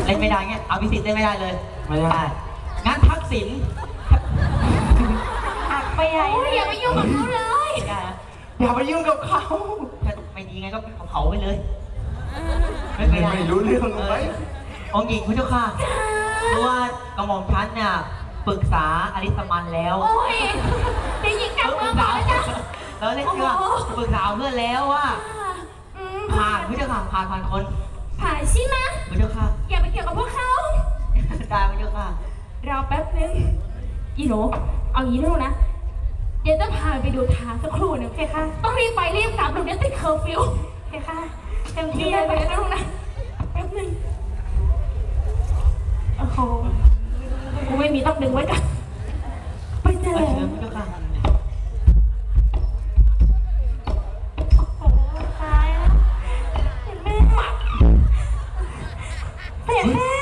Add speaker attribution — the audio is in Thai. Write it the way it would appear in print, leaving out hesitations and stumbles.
Speaker 1: เล่นไม่ได้เงี้ยเอาพิสิทธิ์เล่นไม่ได้เลยไม่ได้งั้นทักษิณ
Speaker 2: หักไปใหญ่อย่าไปยุ่งกับเขาเลย
Speaker 1: อย่าไปยุ่งกับเขาไม่ดีไงก็เผาไปเลยไม่รู้เรื่องเลยองค์หญิงพระเจ้าค่ะเพราะว่ากระหม่อมชั้นเนี่ยปรึกษาอริสมันแล้ว
Speaker 2: โอ้ยได้ยิงกลับมาบอกแล้วจ้ะ
Speaker 1: แล้วเล่นเชื่อปรึกษาเพื่อนแล้วว่าผ่านพระเจ้าค่ะผ่านคน
Speaker 2: ผ่านใช่ไหม
Speaker 1: พระเจ้าค่ะ
Speaker 2: อย่าไปเกี่ยวกับพวกเขา
Speaker 1: ได้พระเจ้าค่ะ
Speaker 2: รอแป๊บนึงอีโหนเอางี้ลูกนะเดี๋ยวจะพาไปดูทางสักครู่หนึ่งโอเคค่ะต้องรีบไปรีบกลับลูกเดี๋ยวติดเคอร์ฟิวโอเคค่ะเต็มที่เลยไปนะลูกนะแป๊บนึงโอ้โหกูไม่มีต้องดึงไว้กันไปเจอเลย
Speaker 1: พระเจ้าค่ะ
Speaker 2: โอ้โหตายแล้วเห็นแม่เห็นแม่